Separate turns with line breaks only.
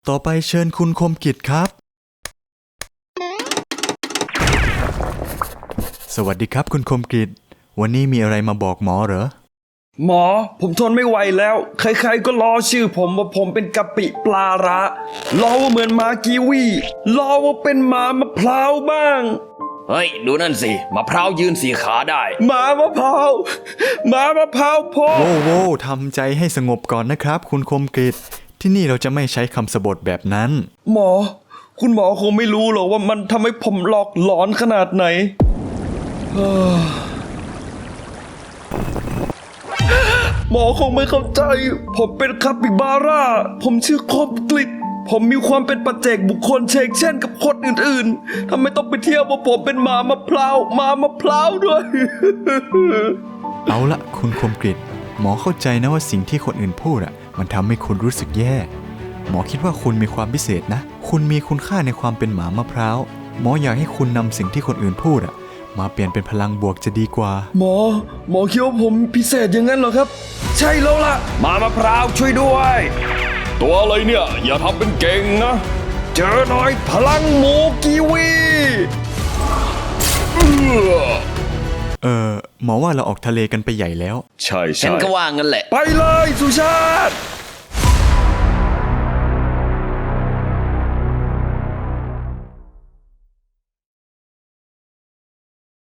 ต่อไปเชิญคุณคมกิจครับสวัสดีครับคุณคมกิจวันนี้มีอะไรมาบอกหมอเหรอ
หมอผมทนไม่ไหวแล้วใครๆก็ล้อชื่อผมว่าผมเป็นกะปิปลาระล้อว่าเหมือนหมากีวีล้อว่าเป็นหมามะพร้าวบ้าง
เฮ้ยดูนั่นสิมะพร้าวยืนสี่ขาได้
หมามะพร้าวพ่อ
โว้ทำใจให้สงบก่อนนะครับคุณคมกิจที่นี่เราจะไม่ใช้คำสบถแบบนั้น
คุณหมอคงไม่รู้หรอกว่ามันทำให้ผมหลอกหลอนขนาดไหนหมอคงไม่เข้าใจผมเป็นคาปิบาร่าผมชื่อคมกลิตผมมีความเป็นปัจเจกบุคคลเชกเช่นกับคนอื่นๆทำไมต้องไปเที่ยวว่าผมเป็นหมามะพร้าวด้วย
เอาละคุณคมกริตหมอเข้าใจนะว่าสิ่งที่คนอื่นพูดมันทำให้คุณรู้สึกแย่หมอคิดว่าคุณมีความพิเศษนะคุณมีคุณค่าในความเป็นหมามะพร้าวหมออยากให้คุณนำสิ่งที่คนอื่นพูดมาเปลี่ยนเป็นพลังบวกจะดีกว่า
หมอคิดว่าผมพิเศษอย่างนั้นเหรอครับใช่แล้วล่ะ
หมามะพร้าวช่วยด้วยตัวอะไรเนี่ยอย่าทำเป็นเก่งนะ
เจอหน่อยพลังหมูกีวี
หมอว่าเราออกทะเลกันไปใหญ่แล้ว
ใช่
ฉั
นก็ว่างั้นแหละ
ไปเลยสุชาติ